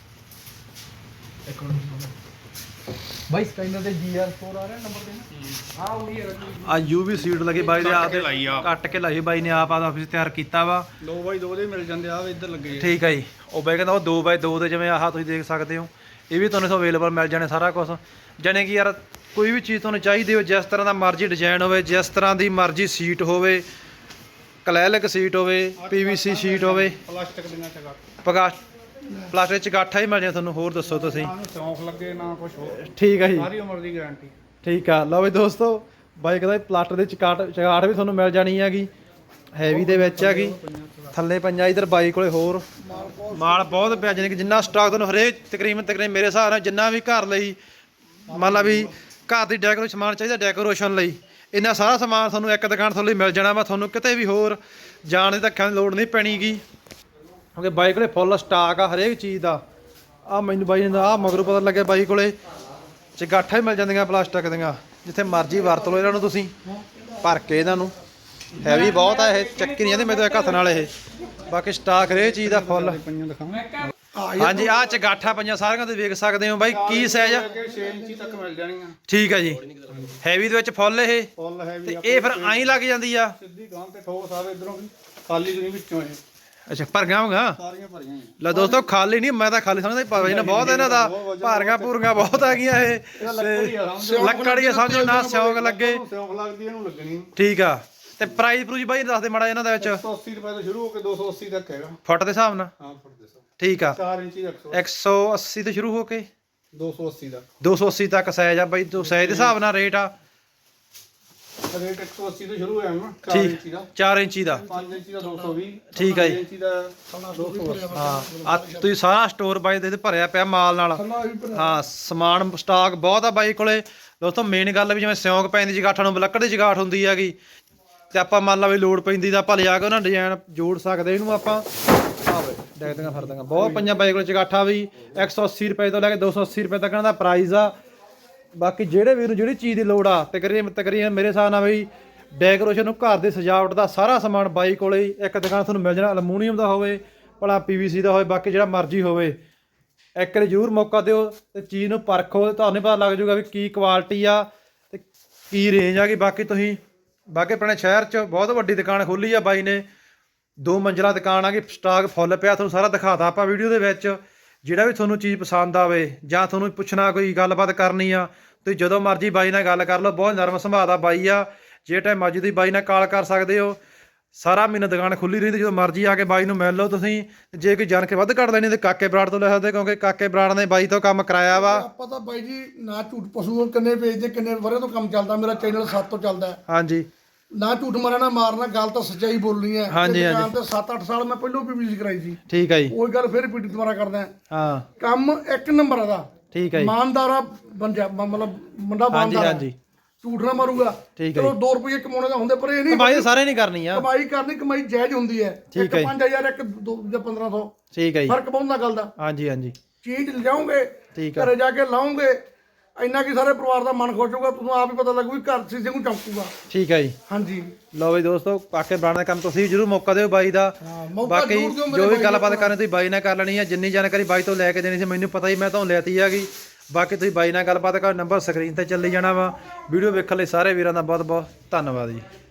ਬਾਈ ਸਕੈਨਰ ਤੇ ਜੀ ਆਰ ਫੋਰ ਆ ਰਿਹਾ ਨੰਬਰ ਤੇ ਹਾਂ ਉਹੀ ਹੈ। ਆ ਯੂ ਵੀ ਸੀਟ ਲੱਗੀ ਬਾਈ ਦੇ ਆਪ ਕੱਟ ਕੇ ਲਾਈ ਬਾਈ ਨੇ, ਆਪ ਆਦਾ ਆਫਿਸ ਤਿਆਰ ਕੀਤਾ ਵਾ। ਦੋ ਬਾਈ ਦੋ ਦੇ ਮਿਲ ਜਾਂਦੇ ਆ ਇੱਧਰ ਲੱਗੇ। ਠੀਕ ਹੈ ਜੀ, ਉਹ ਬਾਈ ਕਹਿੰਦਾ ਉਹ ਦੋ ਬਾਈ ਦੋ ਦੇ ਜਿਵੇਂ ਆਹ ਤੁਸੀਂ ਦੇਖ ਸਕਦੇ ਹੋ, ਇਹ ਵੀ ਤੁਹਾਨੂੰ ਅਵੇਲੇਬਲ ਮਿਲ ਜਾਣੇ ਸਾਰਾ ਕੁਝ। ਜਾਣੇ ਕਿ ਯਾਰ ਕੋਈ ਵੀ ਚੀਜ਼ ਤੁਹਾਨੂੰ ਚਾਹੀਦੀ ਹੋਵੇ, ਜਿਸ ਤਰ੍ਹਾਂ ਦਾ ਮਰਜ਼ੀ ਡਿਜ਼ਾਈਨ ਹੋਵੇ, ਜਿਸ ਤਰ੍ਹਾਂ ਦੀ ਮਰਜ਼ੀ ਸੀਟ ਹੋਵੇ, ਕਲੈਲਕ ਸੀਟ ਹੋਵੇ, ਪੀਵੀਸੀ ਸ਼ੀਟ ਹੋਵੇ, ਪਲਾਸਟਿਕ ਦੀਆਂ ਚਗਾ ਪਗਾ ਪਲਾਸਟਿਕ ਚ ਗਾਠਾ ਹੀ ਮਿਲ ਜਾਏ ਤੁਹਾਨੂੰ। ਹੋਰ ਦੱਸੋ ਤੁਸੀਂ? ਨਾ ਸ਼ੌਂਕ ਲੱਗੇ ਨਾ ਕੁਝ ਹੋਰ, ਠੀਕ ਹੈ ਜੀ, ਸਾਰੀ ਉਮਰ ਦੀ ਗਾਰੰਟੀ। ਠੀਕ ਆ। ਲਓ ਵੀ ਦੋਸਤੋ, ਬਾਈ ਕਹਿੰਦਾ ਪਲਾਸਟਰ ਦੇ ਚਕਾਟ ਚਗਾਟ ਵੀ ਤੁਹਾਨੂੰ ਮਿਲ ਜਾਣੀ ਹੈਗੀ, ਹੈਵੀ ਦੇ ਵਿੱਚ ਹੈਗੀ। ਥੱਲੇ ਪੰਜਾ ਇਧਰ ਬਾਈ ਕੋਲੇ ਹੋਰ ਮਾਲ ਬਹੁਤ ਪਿਆ, ਜਾਣੀ ਕਿ ਜਿੰਨਾ ਸਟਾਕ ਤੁਹਾਨੂੰ ਹਰੇਕ ਤਕਰੀਬਨ ਤਕਰੀਬਨ ਮੇਰੇ ਹਿਸਾਬ ਨਾਲ ਜਿੰਨਾ ਵੀ ਘਰ ਲਈ ਮੰਨ ਲਾ ਵੀ ਘਰ ਦੀ ਡੈਕੋਰੇਸ਼ਨ ਸਮਾਨ ਚਾਹੀਦਾ ਡੈਕੋਰੇਸ਼ਨ ਲਈ, ਇੰਨਾ ਸਾਰਾ ਸਮਾਨ ਤੁਹਾਨੂੰ ਇੱਕ ਦੁਕਾਨ ਤੋਂ ਲਈ ਮਿਲ ਜਾਣਾ ਵਾ। ਤੁਹਾਨੂੰ ਕਿਤੇ ਵੀ ਹੋਰ ਜਾਣ ਦੀ ਧੱਕਿਆਂ ਦੀ ਲੋੜ ਨਹੀਂ ਪੈਣੀਗੀ, ਕਿਉਂਕਿ ਬਾਈ ਕੋਲੇ ਫੁੱਲ ਸਟਾਕ ਆ ਹਰੇਕ ਚੀਜ਼ ਦਾ। ਆ ਮੈਨੂੰ ਬਾਈ ਨੇ ਆਹ ਮਗਰੋਂ ਪਤਾ ਲੱਗਿਆ ਬਾਈ ਕੋਲੇ ਚਗਾਠਾਂ ਹੀ ਮਿਲ ਜਾਂਦੀਆਂ ਪਲਾਸਟਿਕ ਦੀਆਂ, ਜਿੱਥੇ ਮਰਜ਼ੀ ਵਰਤ ਲਓ ਇਹਨਾਂ ਨੂੰ ਤੁਸੀਂ ਭਰ ਕੇ। ਇਹਨਾਂ ਨੂੰ ਹੈਵੀ ਬਹੁਤ ਆ, ਇਹ ਚੱਕੀ ਨਹੀਂ ਜਾਂਦੇ ਮੇਰੇ ਤੋਂ ਇੱਕ ਹੱਥ ਨਾਲ। ਇਹ ਬਾਕੀ ਸਟਾਕ ਹਰੇਕ ਚੀਜ਼ ਦਾ ਫੁੱਲ। ਪਈਆਂ ਦਿਖਾਵਾਂ। ਹਾਂਜੀ, ਆਹ ਚਗਾਠਾਂ ਪੰਜਾਂ ਸਾਰੀਆਂ ਤੁਸੀਂ ਵੇਖ ਸਕਦੇ ਹੋ ਬਾਈ। ਕੀ ਸਾਈਜ਼ ਆ? ਛੇ ਇੰਚੀ ਤੱਕ ਮਿਲ ਜਾਣੀਆਂ। ਠੀਕ ਆ ਜੀ, ਹੈਵੀ ਦੇ ਵਿੱਚ ਫੁੱਲ ਇਹ ਫੁੱਲ ਹੈ ਵੀ ਤੇ ਇਹ ਫਿਰ ਆਈ ਲੱਗ ਜਾਂਦੀ ਆ। ਸਿੱਧੀ ਗਾਂ ਤੇ ਠੋਕ ਸਾਰੇ ਇਧਰੋਂ ਵੀ ਖਾਲੀ ਨਹੀਂ ਵਿੱਚੋਂ ਇਹ ਅੱਛਾ, ਭਰੀਆਂ ਹੋਗਾ। ਸਾਰੀਆਂ ਭਰੀਆਂ ਹੀ ਲੈ ਦੋਸਤੋ, ਖਾਲੀ ਨਹੀਂ, ਮੈਂ ਤਾਂ ਖਾਲੀ ਸਮਝਦਾ ਭਾਵੇਂ ਨਾ ਬਹੁਤ ਇਹਨਾਂ ਦਾ ਭਾਰੀਆਂ ਭੂਰੀਆਂ ਬਹੁਤ ਆ ਗਈਆਂ ਇਹ। ਲੱਕੜੀ ਆ ਸਮਝੋ ਨਾ, ਸਿਉਂਕ ਲੱਗੇ। ਸਿਉਂਕ ਲੱਗਦੀ ਇਹਨੂੰ ਲੱਗਣੀ। ਠੀਕ ਆ। ਤੇ ਪ੍ਰਾਈਸ ਪ੍ਰੂਜ ਬਾਈ ਦੱਸ ਦੇ ਮਾੜਾ ਇਹਨਾਂ ਦੇ ਵਿੱਚ। ਇੱਕ ਸੌ ਅੱਸੀ ਰੁਪਏ ਤੋਂ ਸ਼ੁਰੂ ਹੋ ਕੇ ਦੋ ਸੌ ਅੱਸੀ ਤੱਕ ਹੈਗਾ। ਫੁੱਟ ਦੇ ਹਿਸਾਬ ਨਾਲ? ਹਾਂ ਫੁੱਟ ਦੇ ਹਿਸਾਬ। ਠੀਕ ਆ, ਚਾਰ ਇੰਚੀ ਦਾ ਇੱਕ ਸੌ ਅੱਸੀ ਤੋਂ ਸ਼ੁਰੂ ਹੋ ਕੇ ਦੋ ਸੌ ਅੱਸੀ ਦਾ ਦੋ ਸੌ ਅੱਸੀ ਤੱਕ ਸਾਈਜ਼ ਆ ਬਾਈ। ਤੋਂ ਸਾਈਜ਼ ਦੇ ਹਿਸਾਬ ਨਾਲ ਰੇਟ ਆ। ਰੇਟ ਇੱਕ ਸੌ ਅੱਸੀ ਤੋਂ ਸ਼ੁਰੂ ਹੋਇਆ ਨਾ, ਚਾਰ ਇੰਚੀ ਠੀਕ, ਦਾ, ਚਾਰ ਇੰਚੀ ਦਾ। ਪੰਜ ਇੰਚੀ ਦਾ ਦੋ ਸੌ ਵੀਹ। ਠੀਕ ਆ ਜੀ। ਛੇ ਇੰਚੀ ਦਾ ਦੋ ਸੌ ਅੱਸੀ। ਹਾਂ, ਆ ਤੁਸੀਂ ਸਾਰਾ ਸਟੋਰ ਬਾਈ ਦੇ ਭਰਿਆ ਪਿਆ ਮਾਲ ਨਾਲ। ਹਾਂ, ਸਮਾਨ ਸਟਾਕ ਬਹੁਤ ਆ ਬਾਈ ਕੋਲੇ। ਦੋਸਤੋ ਮੇਨ ਗੱਲ ਵੀ ਜਿਵੇਂ ਸਿਉਂਕ ਪੈਂਦੀ ਜਗਾਠਾਂ ਨੂੰ, ਲੱਕੜ ਦੀ ਜਗਾਠ ਹੁੰਦੀ ਹੈਗੀ, ਤੇ ਆਪਾਂ ਮੰਨ ਲਾ ਵੀ ਲੋੜ ਪੈਂਦੀ ਤਾਂ ਆਪਾਂ ਲਿਜਾ ਕੇ ਉਹਨਾਂ ਡਿਜ਼ਾਈਨ ਜੋੜ ਸਕਦੇ ਇਹਨੂੰ ਆਪਾਂ। ਆਵੇ ਡੈਕਦੀਆਂ ਫਰਦੀਆਂ ਬਹੁਤ ਪਈਆਂ ਬਾਈ ਕੋਲੇ। ਚਗਾਠਾ ਵੀ ਇੱਕ ਸੌ ਅੱਸੀ ਰੁਪਏ ਤੋਂ ਲੈ ਕੇ ਦੋ ਸੌ ਅੱਸੀ ਰੁਪਏ ਤੱਕ ਇਹਨਾਂ ਦਾ ਪ੍ਰਾਈਸ ਆ। ਬਾਕੀ ਜਿਹੜੇ ਵੀਰ ਨੂੰ ਜਿਹੜੀ ਚੀਜ਼ ਦੀ ਲੋੜ ਆ, ਤਕਰੀਬਨ ਤਕਰੀਬਨ ਮੇਰੇ ਹਿਸਾਬ ਨਾਲ ਬਈ ਡੈਕੋਰੇਸ਼ਨ ਨੂੰ, ਘਰ ਦੀ ਸਜਾਵਟ ਦਾ ਸਾਰਾ ਸਮਾਨ ਬਾਈ ਕੋਲੇ ਇੱਕ ਦੁਕਾਨ ਤੁਹਾਨੂੰ ਮਿਲ ਜਾਣਾ। ਅਲਮੂਨੀਅਮ ਦਾ ਹੋਵੇ ਭਲਾ ਪੀਵੀਸੀ ਦਾ ਹੋਵੇ, ਬਾਕੀ ਜਿਹੜਾ ਮਰਜ਼ੀ ਹੋਵੇ। ਇੱਕ ਵਾਰੀ ਜ਼ਰੂਰ ਮੌਕਾ ਦਿਓ ਤੇ ਚੀਜ਼ ਨੂੰ ਪਰਖੋ, ਤੁਹਾਨੂੰ ਪਤਾ ਲੱਗ ਜਾਊਗਾ ਵੀ ਕੀ ਕੁਆਲਿਟੀ ਆ ਤੇ ਕੀ ਰੇਂਜ ਆ ਗਈ। ਬਾਕੀ ਤੁਸੀਂ ਬਾਕੀ ਆਪਣੇ ਸ਼ਹਿਰ 'ਚ ਬਹੁਤ ਵੱਡੀ ਦੁਕਾਨ ਖੋਲ੍ਹੀ ਆ ਬਾਈ ਨੇ, ਦੋ ਮੰਜ਼ਿਲਾ ਦੁਕਾਨ ਆ ਗਈ। ਸਟਾਕ ਫੁੱਲ ਪਿਆ, ਤੁਹਾਨੂੰ ਸਾਰਾ ਦਿਖਾਤਾ ਆਪਾਂ ਵੀਡੀਓ ਦੇ ਵਿੱਚ। ਜਿਹੜਾ ਵੀ ਤੁਹਾਨੂੰ ਚੀਜ਼ ਪਸੰਦ ਆਵੇ ਜਾਂ ਤੁਹਾਨੂੰ ਪੁੱਛਣਾ, ਕੋਈ ਗੱਲਬਾਤ ਕਰਨੀ ਆ, ਤੁਸੀਂ ਜਦੋਂ ਮਰਜ਼ੀ ਬਾਈ ਨਾਲ ਗੱਲ ਕਰ ਲਓ। ਬਹੁਤ ਨਰਮ ਸੁਭਾਅ ਦਾ ਬਾਈ ਆ। ਜੇ ਟਾਈਮ ਮਰਜ਼ੀ ਤੁਸੀਂ ਬਾਈ ਨਾਲ ਕਾਲ ਕਰ ਸਕਦੇ ਹੋ। ਸਾਰਾ ਮਹੀਨਾ ਦੁਕਾਨ ਖੁੱਲੀ ਰਹਿੰਦੀ, ਜਦੋਂ ਮਰਜ਼ੀ ਆ ਕੇ ਬਾਈ ਨੂੰ ਮਿਲ ਲਓ ਤੁਸੀਂ। ਜੇ ਕੋਈ ਜਾਣ ਕੇ ਵੱਧ ਘੱਟ ਲੈਣੀ ਤੇ ਕਾਕੇ ਬਰਾੜ ਤੋਂ ਲੈ ਸਕਦੇ, ਕਿਉਂਕਿ ਕਾਕੇ ਬਰਾੜ ਨੇ ਬਾਈ ਤੋਂ ਕੰਮ ਕਰਾਇਆ ਵਾ। ਆਪਾਂ ਤਾਂ ਬਾਈ ਜੀ ਨਾ ਝੂਠ ਪਸ਼ੂ ਕਿੰਨੇ ਵੇਚਦੇ, ਕਿੰਨੇ ਵਰੇ ਤੋਂ ਕੰਮ ਚੱਲਦਾ, ਮੇਰਾ ਚੈਨਲ ਸੱਤ ਤੋਂ ਚੱਲਦਾ ਹੈ। ਹਾਂਜੀ ਨਾ ਝੂਠ ਮਾਰਨਾ ਨਾ ਮਾਰਨਾ, ਗੱਲ ਤਾਂ ਸੱਚਾਈ ਬੋਲਣੀ ਹੈ। ਹਾਂਜੀ, ਤੇ ਦੁਕਾਨ ਤੇ ਸੱਤ ਅੱਠ ਸਾਲ ਮੈਂ ਪਹਿਲਾਂ ਵੀ ਬਿਜ਼ਨਸ ਕਰਾਈ ਸੀ। ਠੀਕ ਹੈ ਜੀ। ਉਹੀ ਗੱਲ ਫਿਰ ਰਿਪੀਟ ਦੁਬਾਰਾ ਕਰਦਾ ਹਾਂ ਕੰਮ ਇੱਕ ਨੰਬਰ ਦਾ। ਠੀਕ ਹੈ ਜੀ। ਇਮਾਨਦਾਰਾ ਬੰਜਾ ਮਤਲਬ ਮੁੰਡਾ ਹਾਂਜੀ ਇਮਾਨਦਾਰ ਹਾਂਜੀ ਝੂਠ ਨਾ ਮਾਰੂਗਾ। ਠੀਕ ਹੈ ਚਲੋ ਦੋ ਰੁਪਏ ਕਮਾਉਣੇ ਦਾ ਹੁੰਦੇ, ਪਰ ਇਹ ਨਹੀਂ ਕਮਾਈ ਤਾਂ ਸਾਰੇ ਨਹੀਂ ਕਰਨੀ ਆ। ਕਮਾਈ ਕਰਨੀ, ਕਮਾਈ ਜਾਇਜ਼ ਹੁੰਦੀ ਹੈ। ਠੀਕ ਇੱਕ ਹੈ ਜੀ। ਪੰਜ ਹਜ਼ਾਰ ਇੱਕ ਦੋ ਜਾਂ ਪੰਦਰਾਂ ਸੌ ਠੀਕ ਹੈ ਜੀ। ਫਰਕ ਪਾਉਂਦਾ ਗੱਲ ਦਾ। ਹਾਂਜੀ ਹਾਂਜੀ ਚੀਜ਼ ਲਿਜਾਓਗੇ ਠੀਕ ਆ। ਘਰੇ ਜਾ ਕੇ ਲਾਓਗੇ, ਇੰਨਾ ਕੀ ਸਾਰੇ ਪਰਿਵਾਰ ਦਾ ਮਨ ਖੁਸ਼ ਹੋਊਗਾ। ਤੁਹਾਨੂੰ ਆਪ ਹੀ ਪਤਾ ਲੱਗੂ ਵੀ ਘਰ ਸੀਸੇ ਨੂੰ ਚਮਕੂਗਾ। ਠੀਕ ਹੈ ਜੀ। ਹਾਂਜੀ ਲਓ ਬਈ ਦੋਸਤੋ, ਕਾਕੇ ਬਰਾੜ ਦਾ ਕੰਮ ਤੁਸੀਂ ਵੀ ਜ਼ਰੂਰ ਮੌਕਾ ਦਿਓ ਬਾਈ ਦਾ। ਹਾਂ, ਮੌਕਾ ਬਾਕੀ ਜ਼ਰੂਰ ਦਿਓ ਮੇਰੇ ਜੋ ਵੀ ਬਾਈ ਗੱਲਬਾਤ ਨੂੰ। ਕਰਨੀ ਤੁਸੀਂ ਬਾਈ ਨਾਲ ਕਰ ਲੈਣੀ ਹੈ। ਜਿੰਨੀ ਜਾਣਕਾਰੀ ਬਾਈ ਤੋਂ ਲੈ ਕੇ ਦੇਣੀ ਸੀ ਮੈਨੂੰ ਪਤਾ ਹੀ, ਮੈਂ ਤੁਹਾਨੂੰ ਲੈਤੀ ਹੈਗੀ। ਬਾਕੀ ਤੁਸੀਂ ਬਾਈ ਨਾਲ ਗੱਲਬਾਤ ਕਰੋ, ਨੰਬਰ ਸਕਰੀਨ ਤੇ ਚੱਲੀ ਜਾਣਾ ਵਾ। ਵੀਡੀਓ ਵੇਖਣ ਲਈ ਸਾਰੇ ਵੀਰਾਂ ਦਾ ਬਹੁਤ ਬਹੁਤ ਧੰਨਵਾਦ ਜੀ।